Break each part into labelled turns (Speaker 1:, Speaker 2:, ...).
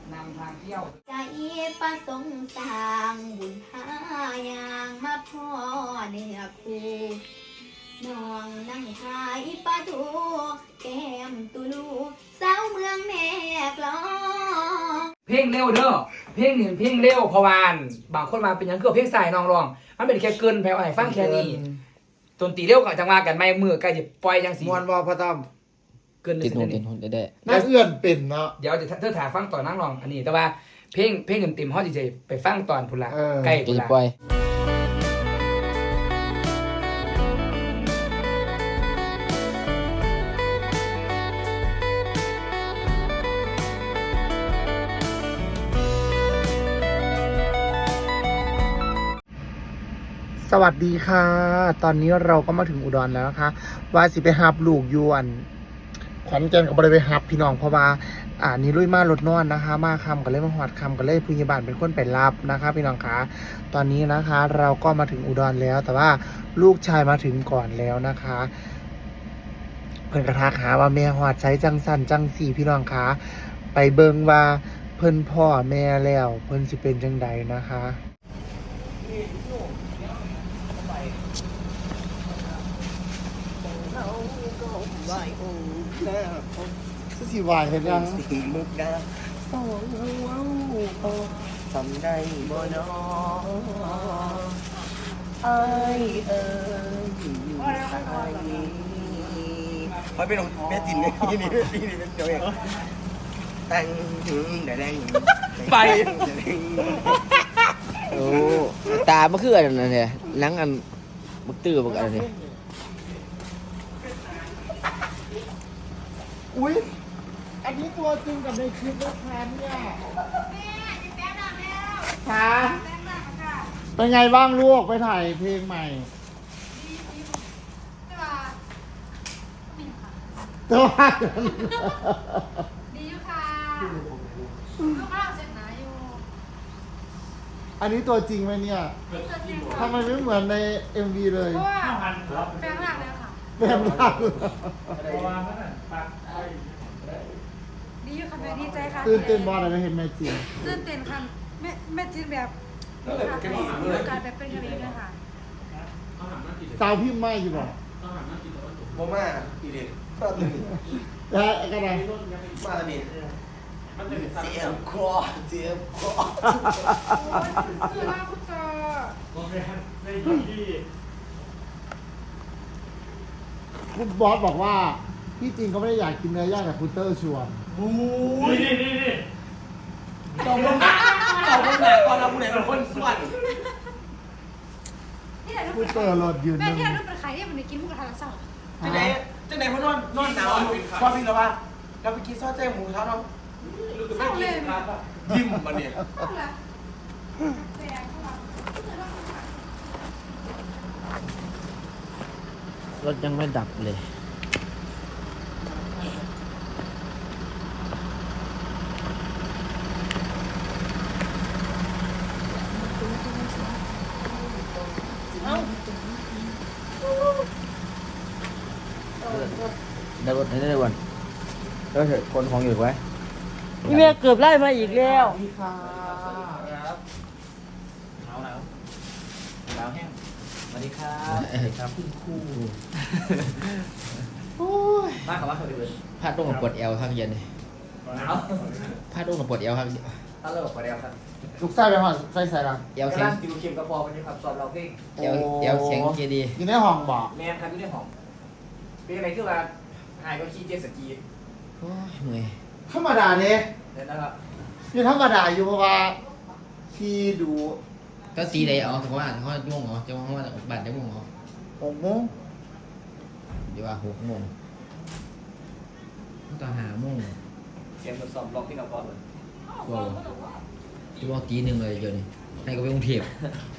Speaker 1: นำทางเที่ยว
Speaker 2: ใจประสงค์สร้างบุญหายางมาพ่อเนื้อคู่น้องนั่งขายปลาทูแก้มตุลูสาวเมืองแม่กลอง
Speaker 1: เพลงเร็วเด้อเพลงหนึ่งเพลงเร็วเพราะว่าบางคนมาเป็นยังคือเพลงสายน้องร้องมันเป็นแค่เกินแผ่วให้ฟังแค่นี้ดนตรีเร็วก็จังว่ากันไม่มือใกล้จะปล่อยจังสี
Speaker 3: มวนวอพระต้อม
Speaker 1: เกิน
Speaker 4: ติด
Speaker 1: นิ
Speaker 4: หู
Speaker 1: ด
Speaker 4: ติ
Speaker 1: นึ
Speaker 4: ด
Speaker 1: ง
Speaker 4: หูได้
Speaker 3: น่าเอื้อนเป็นเนาะ
Speaker 1: เดี๋ยวจะเธอถ่ายฟังต่อนั่งร้องอันนี้แต่ว่าเพลงเต็มๆเฮาสิไปฟังตอนพุ่นละใกล้
Speaker 4: จะ
Speaker 1: พุ่นละ
Speaker 4: ปล่อย
Speaker 3: สวัสดีค่ะ ตอนนี้เราก็มาถึงอุดรแล้วนะคะว่าสิไปหับลูกยวนขอนแก่นกับบริไปหับพี่น้องเพราะว่านี่ลุยมารถนอนนะคะ มาคำก็เลยมาหอดคำก็เลยพยาบาลเป็นคนไปรับนะคะพี่น้องคะตอนนี้นะคะเราก็มาถึงอุดรแล้ว แต่ว่าลูกชายมาถึงก่อนแล้วนะคะ เพิ่นกระทักหาว่าแม่หอดใช้จังสันจังสี่พี่น้องคะไปเบิงว่าเพิ่นพ่อแม่แล้วเพิ่นสิเป็นจังใดนะคะสิวายเห็นยัง
Speaker 5: สีมุกดาสองว้าวทำได้บ่นอไอเอ๋ยไอเป็นของแม่จินไงนี่เป็นเจ้าเองแต่งแต่แรงไป
Speaker 4: โอ้ตามันคืออันนั้นเนี่ยหลังอันบักตื้อบักอันนี้
Speaker 3: อุ๊ยอันนี้ตัวจริงกับในคลิปนะคะเนี่ยค่ะเป็นไงบ้างลูกไปถ่ายเพลงใหม่แต่ว่า
Speaker 6: ดีอยู่ค่ะลูกเราเสร็จนะอยู่
Speaker 3: อันนี้ตัวจริงไหมเนี่ยทำไมไม่เหมือนใน MV เลย
Speaker 6: เพราะว่าแปลงร่างแล้วค่ะ
Speaker 3: แบบนั้น
Speaker 6: ดีอยู่ค่ะแม่ดีใจค่ะ
Speaker 3: ตื่นเต้นบอลอะไรเห็นแม่จริง
Speaker 6: ตื่นเต้นค่ะแม่จีนแบบมีโอกาสแบบเป็นกะหรี่ด้วยค่ะ
Speaker 3: สาวพิมพ์ไม่อยู่บอก
Speaker 5: โมม่าอีเด็กก็ตื่น
Speaker 3: แล้วก็ไง
Speaker 5: มาตอนนี้เจียมคอเจียมคอ
Speaker 6: คือว่าคุณจอ
Speaker 3: คุณบอสบอกว่าที่จริงเขาไม่ได้อยากกินเนื้อย่างแต่คุณเตอร์ชวน
Speaker 5: ตบลงหน้าก่อนเราผู้ใดเป็นคนสวด
Speaker 6: ที่ไหนลู
Speaker 3: คุณ
Speaker 6: ก
Speaker 3: เตอร์รถยืน
Speaker 6: แม่
Speaker 3: นึง
Speaker 6: ที่ไหนลูกเป็นใครที่มันได้กินหมูกระทะแล้วเศร้า
Speaker 5: จังไหนเพราะนอนหนาวพอพี่เราว่าเราไปกินซอสแจ้งหมูเช้าเนาะ
Speaker 6: เศร้าเลย
Speaker 5: ยิ้มมาเนี่ย
Speaker 6: เศร้าเลยแปลงเข้ามาร
Speaker 4: ถยังไม่ดับเลยได้รถให้ได้วันแล้วเถอะคนของอยู่ไว้
Speaker 7: พี่เมย์เกือบไล่มาอีกแล้ว
Speaker 3: นี่ค่ะ
Speaker 1: สวัสดีครับ
Speaker 3: โอ้ย
Speaker 1: มาคำว่าสวัสดีเลย
Speaker 4: พาดลงกับปวดเอวครับเย็นเลย
Speaker 1: เอา
Speaker 4: พาดลงกับปวดเอวครับ
Speaker 1: ถ้าเลิกไปแล้วครับ
Speaker 3: ลูกไส้ไปหอดไส้ใส่ละ
Speaker 4: เอว
Speaker 1: กำ
Speaker 4: แข็
Speaker 1: ลั
Speaker 4: ง
Speaker 1: งติวเข็มกระพอวันนี้ครับสอบเราเพลง
Speaker 4: เอวแข็งเกียร์ดี
Speaker 3: อยู่ในห้องบอก
Speaker 1: แมนครับที่ได้ของเป็นอะไรคือว่าหายก็ขี่เจ็ตสกี
Speaker 4: โอ้ยเมื่อย
Speaker 3: ธรรมดาเนี่ย
Speaker 1: เดี๋ยวนะครับ
Speaker 3: นี่ธรรมดาอยู่เพราะว่าที่ดู
Speaker 4: ก็ตีใดเอาแต่ว่าเขาม่วงเหรอจะว่าบัตรจะม่วงเหรอ
Speaker 3: 6 โมง
Speaker 4: เดี๋ยวว่า6 โมงต้องหาโมง
Speaker 1: เสียงทดสอบล็อกที่กระพอเลย
Speaker 4: ว้าวจะว่าตีหนึ่งเลยเดี๋ยวนี้ให้ก็ไปกรุงเทพ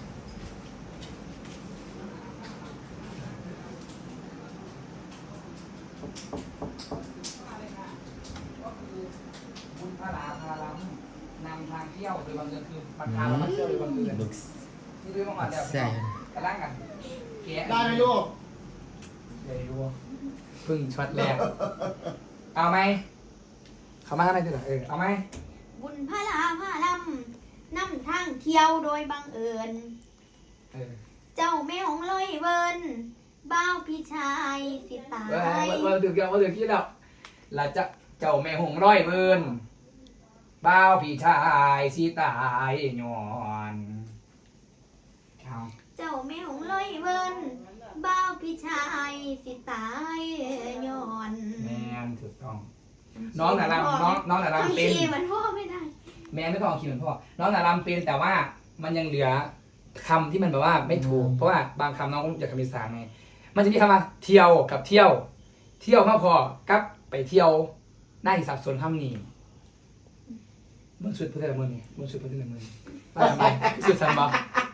Speaker 1: บุญพาล้ำนำทางเที่ยวโดยบังเอิญคือบังคับเรามาเที่ยวโดยบังเอิญ
Speaker 4: บึก
Speaker 1: ที่ด้วยมาแล้ว
Speaker 4: ใช่
Speaker 1: กระด้างกันแกะ
Speaker 3: ได้ไหมลูก
Speaker 1: ได้รู้พึ่งช็อตแรกเอาไหมเขามาข้างในดีกว่าเอาไหม
Speaker 6: บุญ
Speaker 2: พระลาพาลำนำทางเที่ยวโดยบังเอิญ เจ้าแม่ของลอยเวินบ้าวพี่ชายสิตาย
Speaker 1: มาถึงยังมาถึงที่แล้วเราจะเจ้าแม่หงร้อยเบินบ้าวพี่ชายสิตายย้อนเอา
Speaker 2: เจ้าแม่ของลอยเวินบ้าวพี่ชายสิตายย้อน
Speaker 1: แม่นถูกต้อง น้องน่ะรำน้องน่ะรำเป็น
Speaker 2: ขี่มันพ่อไม่ได้
Speaker 1: แม่ไม่ต้องเอาคิวเหมือนพ่อ น้องน่ะรำเป็นแต่ว่ามันยังเหลือคำที่มันแบบว่าไม่ถูก เพราะว่าบางคำน้องอยากคำอีสานไง มันจะมีคำว่าเที่ยวกับเที่ยว เที่ยวมาพอกับไปเที่ยวได้สับสนคำนี้มึงสุดพูดได้ละมึงนี่มึงสุดพูดได้ละมึงไปทำไมสุดสันบอ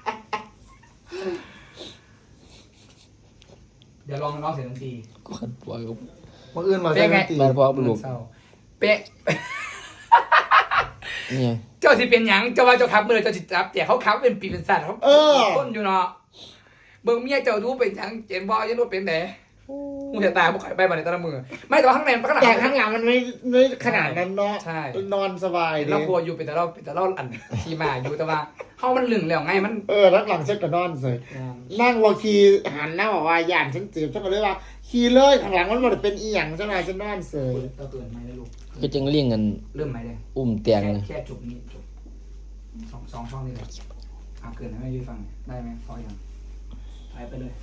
Speaker 1: เดี๋ยวลองร้องเสียงดนตรี
Speaker 4: ก็ขัดปล่อยกับ
Speaker 3: มื่ออื่นมา
Speaker 1: เป็
Speaker 3: ใส่
Speaker 1: นไง
Speaker 3: ดนตรี
Speaker 4: บ้านพ่อลูก
Speaker 1: เศร้าเป๊ะ
Speaker 4: เนี่ย
Speaker 1: เจ้าสิเป็นหยังเจ้าว่าเจ้าขับมือเจ้าสิจับแต่เขาขับเป็นปีเป็นสัตว์เขาต้นอยู่เนาะเบิ่งเมียเจ้าดูเป็นหยังเจนบ่ยังรู้เป็นไหนมึงจะตายบ่ข่อยไปบ่ในแต่ละมือไม่แต่ว่าข้างในข้างหลัง
Speaker 3: แต่ข้างหลังมันไม่ขนาดนั้นเนาะ
Speaker 1: ใช่
Speaker 3: นอนสบายดี
Speaker 1: เรากลัวอยู่เป็นแต่เราอันขี่มาอยู่แต่ว่าเฮามันลึงแล้วไงมัน
Speaker 3: รักหลังเช็ดกับนอนเลยนั่งวอคีหันหน้าบอกว่าย่านฉันเจ็บฉันก็เลยว่าขี่เลยข้างหลังมันหมดเป็นอีหยังฉันมาฉันนอนเสย
Speaker 1: เราเตือนไหมเลยลูก
Speaker 4: ก็จังเลี้ยงกัน
Speaker 1: เริ่มไหมเลย
Speaker 4: อุ้มเตียงเลย
Speaker 1: แค่จุกนี้จุกสองช่องนี่เลยเอาเกินให้แม่ยืนฟังได้ไหมพอยังไปเลย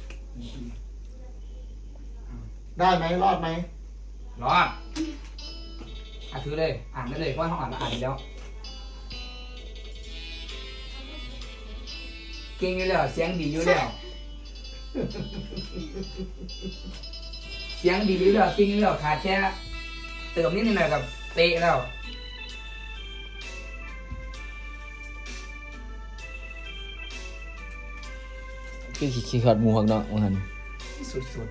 Speaker 3: ได้ไหมรอดไหม
Speaker 1: รอดถือเลยอ่านได้เลยเพราะว่าห้องอ่านแล้วเก่งอยู่แล้วเสียงดีอยู่แล้วเสียงดีอยู่แล้วเก่งอยู่แล้วขาดแค่เติมนิดหน่อยกับเตะแล้ว
Speaker 4: คือขี้ขาดหมูหักเนาะว่าหั่น
Speaker 1: สุด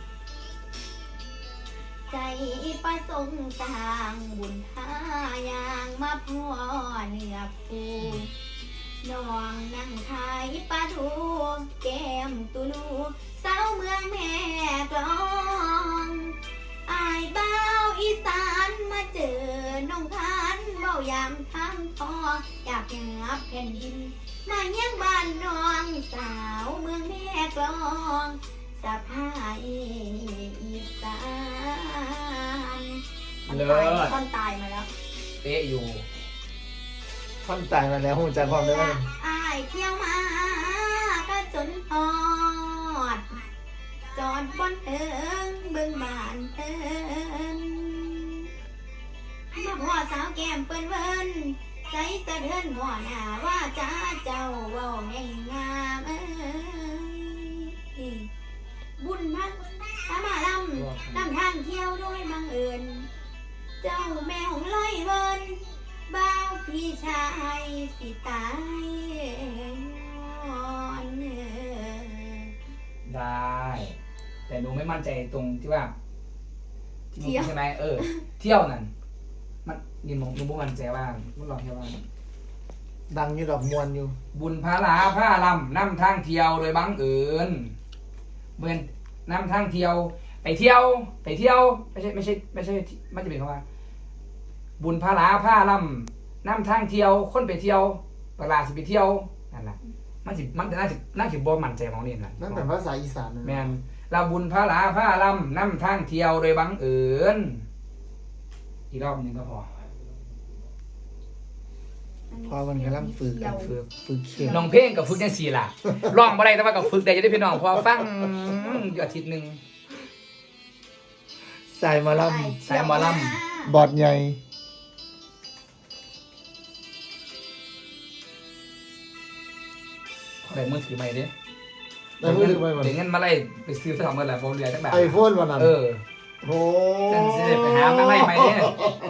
Speaker 2: ใจประสงค์สร้างบุญหายางมาพ่อเนื้อคูน้องนั่งขายปลาทูแก้มตุลูสาวเมืองแม่กลองอายเบ้าอีสานมาเจอน้องพันเบ้ายามทำทองอยากงับแผ่นดินมาเยี่ยงบ้านน้องสาวเมืองแม่กลองสะพายอีสาน
Speaker 1: ๆเลิศ
Speaker 2: ต้นตายมาแล้ว
Speaker 1: เตะอยู่
Speaker 3: ท่อนตายมาแล้วหูใจความได้ไหม
Speaker 2: อายเที่ยวมาก็จนฮอด จอดบนเอิงเบิ่งบ้านเอินมาพ่อสาวแก้มเปิ้นเวินใจสะเทือนหัวหน้าว่าจ้าเจ้าเว้าแห่งงามบุญพักตามาลำนำทางเที่ยวโดยบังเอิญเจ้าแม่ของลอยเวินบ้าวพี่ชายสิตายย้อน
Speaker 1: ได้ แต่หนูไม่มั่นใจตรงที่ว่าที่มึงใช่ไหมเที่ยวนั่นมันนี่หนูไม่มั่นใจว่ามึงลองแค่ว่า
Speaker 3: ดังอยู่ดอกมวนอยู่
Speaker 1: บุญพาลาผ้าลำนำทางเที่ยวโดยบังเอิญเหมือนนำทางเที่ยวไปเที่ยวไม่ใช่มันจะเป็นคำว่า บุญพาลาผ้าลำนำทางเที่ยวคนไปเที่ยวตลาดสิไปเที่ยวนั่นแหละมันน่าจะบ่มั่นใจของนี่แหละ
Speaker 3: นั่นเป็นภาษาอีสานนะ
Speaker 1: แมนเราบุญพาลาผ้าลำนำทางเที่ยวโดยบังเอิญอีกรอบหนึ่งก็พอ
Speaker 3: พอมันกำลังฝึกเขียน
Speaker 1: น้องเพลงกับฝึกจังสี่ล่ะร้องบ่ได้แต่ว่ากับฝึกได้จะได้พี่น้องพอฟังอยู่อาทิตย์หนึ่ง
Speaker 3: สายหมาล
Speaker 1: สายหมอล
Speaker 3: ำบอดใหญ่
Speaker 1: ได้มือถือใหม่ดิ
Speaker 3: ได้มือถือไปหมด
Speaker 1: เดี๋ยวเงินมาไล่ไปซื้อสองเมื่อไหร่ผมเหลือจักแบบ
Speaker 3: ไอโฟนวันนั้น โอ้
Speaker 1: จังสิได้ไปหามาไล่ใหม่เนี่ย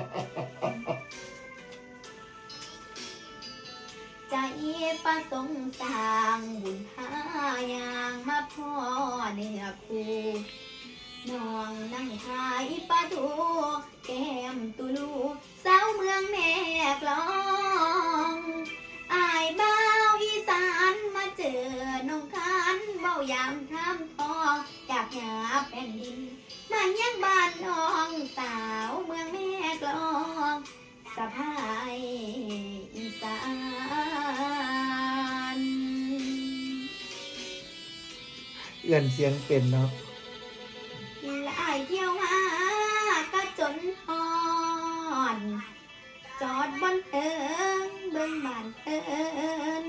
Speaker 2: ใจประสงค์สร้างบุญหายางมาพ่อเนื้อคูน้องนั่งขายปลาทูแก้มตุลูสาวเมืองแม่กลองอายเบ้าอีสานมาเจอน้องคันเบ้ายามทำทองอยากหาแผ่นดินมาเยี่ยงบ้านน้องสาวเมืองแม่กลองสะพาย
Speaker 3: เอื่อนเสียงเป็นเนาะ
Speaker 2: และอายเที่ยวหาก็จนฮอนจอดบนเอิงเบิ่งบ้านเอิน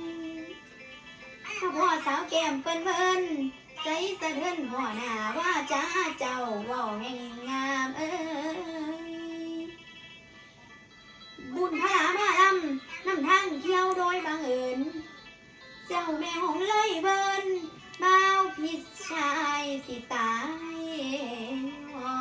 Speaker 2: ถ้าพ่อสาวแก้มเปิ้นเบิ่นใจสะเทือนพ่อหน้าว่าจ้าเจ้าเว้าแห่งงามเอ้ยบุญพระมาลำนำทางเที่ยวโดยบังเอิญเจ้าแม่หงเลยเบิ่นบ่าวพิชายสิตายอ่อน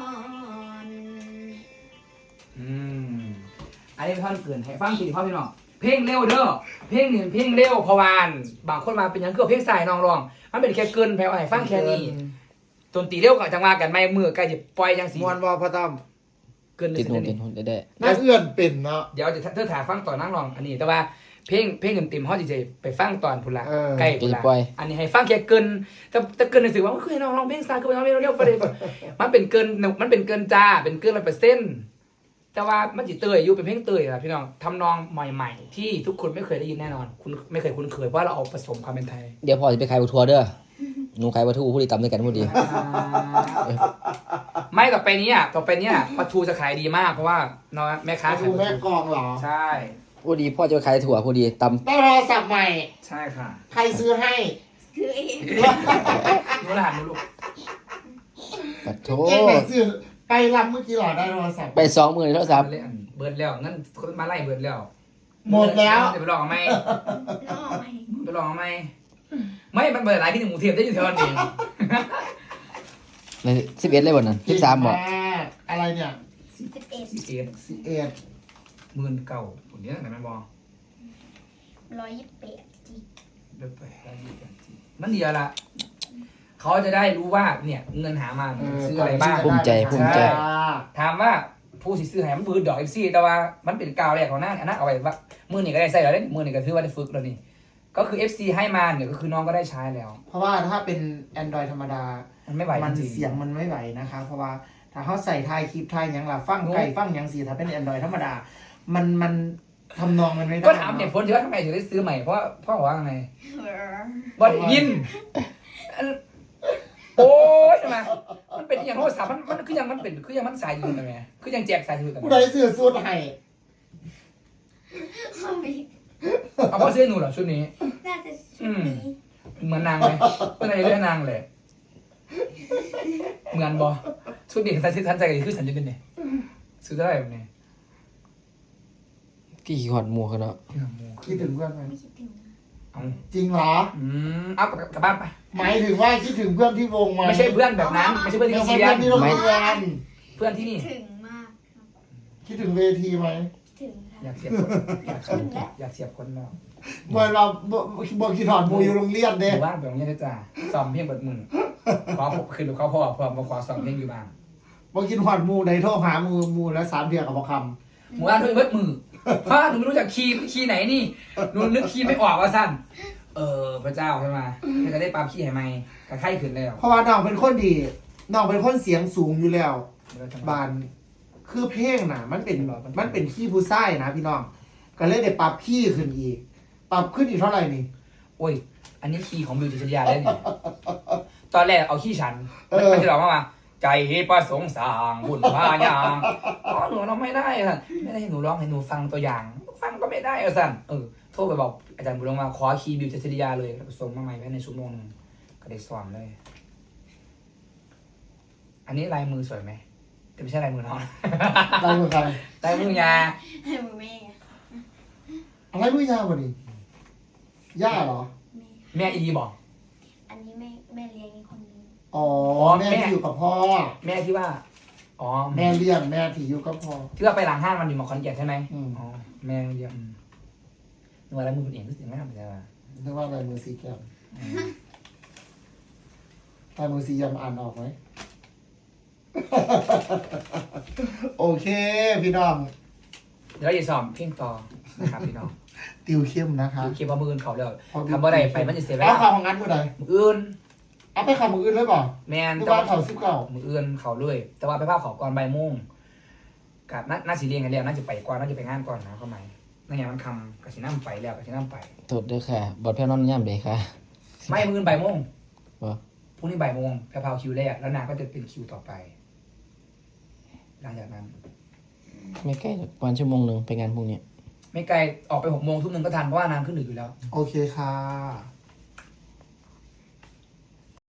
Speaker 1: อันนี้เป็นท่อนเกินให้ฟังทีพ่อพี่น้องเพลงเร็วเด้อเพลงนี่เพลงเร็วเพราะวานบางคนมาเป็นหยังคือเพลงสายน้องร้องมันเป็นแค่เกินแผ่วให้ฟังแค่นี้ดนตรีเร็วก็จังว่ากันไม่มือใกล้จะปล่อยจังสิ
Speaker 3: มวนบ่พ่อต้อม
Speaker 1: เกิน
Speaker 4: ติดหู
Speaker 1: นี่
Speaker 4: ติดหูได้
Speaker 3: น่าเอื่อนเป็นเนาะ
Speaker 1: เดี๋ยวจะเธอถ่ายฟังตอนนั่งร้องอันนี้แต่ว่าเพลงเต็มๆเฮาสิไปฟังตอนพุ่นละ
Speaker 3: เออ
Speaker 1: ใกล้พุ่นละอันนี้ให้ฟังแค่เกินแต่เกินรู้สึกว่าคือให้น้องร้องเพลงสายคือน้องเร็วๆไปเลยมันเป็นเกินจ้าเป็นเกิน100%แต่ว่ามันจิเตยอยู่เป็นเพลงเตยนะพี่น้องทำนองใหม่ๆที่ทุกคนไม่เคยได้ยินแน่นอนคุณไม่เคยคุ้นเคยเพราะเราเอาผสมความเป็นไทย
Speaker 4: เดี๋ยวพอจะไปขายบัวทัวร์เด้อหนูขายบัวทัวร์ผู้ดีตำด้วยกันผู้ดี
Speaker 1: ไม่ต่อไปนี้ปลาทูจะขายดีมากเพราะว่าน้องแม่ค้า
Speaker 3: ดูแม่กองเหรอ
Speaker 1: ใช่
Speaker 4: ผู้ดีพ่อจะไปขายถั่วผู้ดีต
Speaker 3: ได้โทรศัพท์ใหม่
Speaker 1: ใช่ค่ะ
Speaker 3: ใครซื้อให้
Speaker 2: คือเอง
Speaker 1: รู้รหัสรู้ลูก
Speaker 4: ำปัดโถ
Speaker 3: เก่งไหนซื้อไปรำเมื่อกี้เหรอได้โทรศัพท์
Speaker 4: ไป20,000โทรศัพท์
Speaker 1: เบิร์ดแล้วงั้นคนมาไล่เบิร์ดแล้ว
Speaker 3: หมดแล้ว
Speaker 1: จะไปลองไหม
Speaker 2: น้องไหม
Speaker 1: ไปลองไหมไม่มันเบิร์ดหลายที่หนึ่งหมูเทียมได้อยู่เท่านั้นเอง
Speaker 4: ใน11เลยบ่นั่น13บ่
Speaker 3: เก่งมากอะไรเนี่ย
Speaker 2: 11
Speaker 3: 11
Speaker 1: 19,000ผมเนี้ยไหนไม่บอก
Speaker 2: 128จี
Speaker 1: เดี๋ยวไปมันเดียวละเขาจะได้รู้ว่าเนี่ยเงินหามาซื้ออะไรบ้าง
Speaker 4: ภูมิใจ
Speaker 1: ถามว่าผู้สิซื้อให้มันบืดดอกFC แต่ว่ามันเป็นกาวแรกของหน้าอันนั้นเอาไว้ว่ามือนี่ก็ได้ใส่แล้วได้มือนี่ก็ถือว่าได้ฝึกแล้วนี่ก็คือ FC ให้มาเนี่ยก็คือน้องก็ได้ใช้แล้ว
Speaker 3: เพราะว่าถ้าเป็น Android ธรรมดา
Speaker 1: มันไม่ไหว
Speaker 3: มัน
Speaker 1: จริง
Speaker 3: เสียงมันไม่ไหวนะคะ เพราะว่าถ้าเขาใส่ทายคลิปทายหยังล่ะฟังไก่ฟังหยังสีถ้าเป็น Android ธรรมดา มันทำนองมันไม่ได้
Speaker 1: ก็ถามเนี่ยผลที่ว่าทำไมถึงได้ซื้อใหม่เพราะพ่อบอกว่าไงบอได้ยินโอ้ยทำไมมันเป็นอย่างโทรศัพท์มันคือยังมันสายยืนทำไมคือยังแจกสายยืนทำไม
Speaker 3: ผู้ใดซื้อสูตรให้
Speaker 2: เขาไม่
Speaker 1: เอาพ่อซื้อหนูเหรอชุดนี้
Speaker 2: น่าจะชุดนี้
Speaker 1: เหมือนนางไหมเป็นอะไรเรื่องนางเลยเหมือนบอชุดนี้ทันใจกันคือฉันจะเป็นเนี่ยซื้อได้แบบนี้
Speaker 4: กี่ขอดหมูเขาเนาะ
Speaker 3: คิดถึงเพื่อนไหม
Speaker 2: ไม่คิดถึง
Speaker 1: เอา
Speaker 3: จริงเหรอ
Speaker 1: เอากลับบ้านไป
Speaker 3: หมายถึงว่าคิดถึงเพื่อนที่วงไหม
Speaker 1: ไม่ใช่เพื่อนแบบนั้นไม่ใช่เพื่อน
Speaker 3: ไม่
Speaker 1: ที่
Speaker 3: ใช่
Speaker 1: เรีย
Speaker 3: เพื่อน นที่โรงเรียน
Speaker 1: เพื่อนที่นี่
Speaker 2: ถึงมากครับ
Speaker 3: คิดถึงเวทีไหม
Speaker 2: ถึง
Speaker 1: อยา
Speaker 2: ค่ะ
Speaker 1: กเสียบคนอยากเสียบคนแล้ว
Speaker 3: เมื่อเราบอกคิดถอดมูอยู่โรงเรียน
Speaker 1: ห
Speaker 3: เด้
Speaker 1: มู่บ้านแบบนี้จ้าซ้อมเพลงเปิดมือขอคือเขาพ่อมาขอซ้อมเพลงอยู่บ้าน
Speaker 3: บอกคิดถอดมูในโทรหามูแล้ว3 เดือนกับบอกค
Speaker 1: หมู่บ้านด้วยเบิดมือเพราะหนูไม่รู้จักคีย์ไหนนี่หนูนึกคีย์ไม่ออกว่าสั้นพระเจ้าใช่ไหมจะได้ปรับคีย์ให้ไหมกระไข้ขึ้นแล้ว
Speaker 3: ำเพราะว่าน้องเป็นคนดีน้องเป็นคนเสียงสูงอยู่แล้ว บานคือเพลงน่ะ มันเป็นขี้ผู้ไส้นะพี่น้องก็เลยได้ปรับขี้ขึ้นอีก ปรับขึ้นอีกเท่าไหร่นี่
Speaker 1: โอ้ยอันนี้คีย์ของมิวจิตยาได้เนี่ยตอนแรกเอาคีย์ฉันมันจะร้องว่าใจประสงค์สร้างบุญพายางหนูร้องไม่ได้สั่นไม่ได้หนูร้องให้หนูฟังตัวอย่าง ฟังก็ไม่ได้สั่นโทรไปบอกอาจารย์บุญลงมาขอคีย์บิวจิตยาเลยส่งมาใหม่ภายในชั่วโมงนึงก็ได้สอนเลย อันนี้ลายมือสวยไหมแต่ไม่ใช่ลายมือน้อง
Speaker 3: ได้เมื่อใคร
Speaker 1: ลายมือยา
Speaker 2: ให้มือแม่
Speaker 3: อะไรมือยาวกว่านี้ย่าเหรอ
Speaker 2: แม่
Speaker 1: แม่อีบอก
Speaker 2: อันนี้แม่เลี้ยงอีกคนนึง
Speaker 3: อ๋อแม่ที่อยู่กับพ่อ
Speaker 1: แม่ที่ว่าอ๋อ
Speaker 3: แม่เลี้ยงแม่ที่อยู่กับพ่อ
Speaker 1: ที่ว่าไปหลังห้างมันอยู่มาคอนแก่นใช่ไหม
Speaker 3: อืม
Speaker 1: อ๋อแม่เลี้ยงหนูอะไรมือเป็นเองรู้สึกไม่ทำอะไรวะ
Speaker 3: นึกว่าลายมือสีแก้มลายมือสียำอ่านออกไหม โอเค พี่น้อง
Speaker 1: เดี๋ยวจะสอบเพ่งต่อนะครับพี่น้อง
Speaker 3: ติวเข้มนะคะ
Speaker 1: ดูเคปมือเขาเดี๋ยวทำบ่ได้ไปมันจะเสียเว
Speaker 3: เอา
Speaker 1: ลา
Speaker 3: ข่าวของงั้นเมื่อไหร่
Speaker 1: มืออื่น
Speaker 3: เอาไปข่าวมืออื่นเลยเปล่า
Speaker 1: แมน
Speaker 3: นึก
Speaker 1: แต่
Speaker 3: ว่า
Speaker 1: ว่า
Speaker 3: ข่าว19
Speaker 1: มืออื่นเขาเลย แต่ว่าไปภาพเขาก่อนบ่ายโมงกับน่าสีเรียงกันแล้วน่าจะไปก่อนน่าจะไปงานก่อนนะเข้าไหมนั่นไงมันคำกับสีน้ำไปแล้วกับสีน้ำไป
Speaker 4: โทษด้วยค่ะบอดแพ้นอนย่ำเลยค่ะ
Speaker 1: ไม่มืออื่นบ่ายโมง
Speaker 4: วะ
Speaker 1: พรุ่งนี้บ่ายโมงแพรวคิวแรกแล้วนางก็จะเป็นคิวต่อไป หลังจากนั้น
Speaker 4: ไม่ใกล้หรอกประมาณชั่วโมงหนึ่งไปงานพรุ่งนี้
Speaker 1: ไม่ไกลออกไป6 โมงทุ่มหนึ่งก็ทันเพราะว่านางขึ้นดึกอยู่แล้ว
Speaker 3: โอเคค่ะ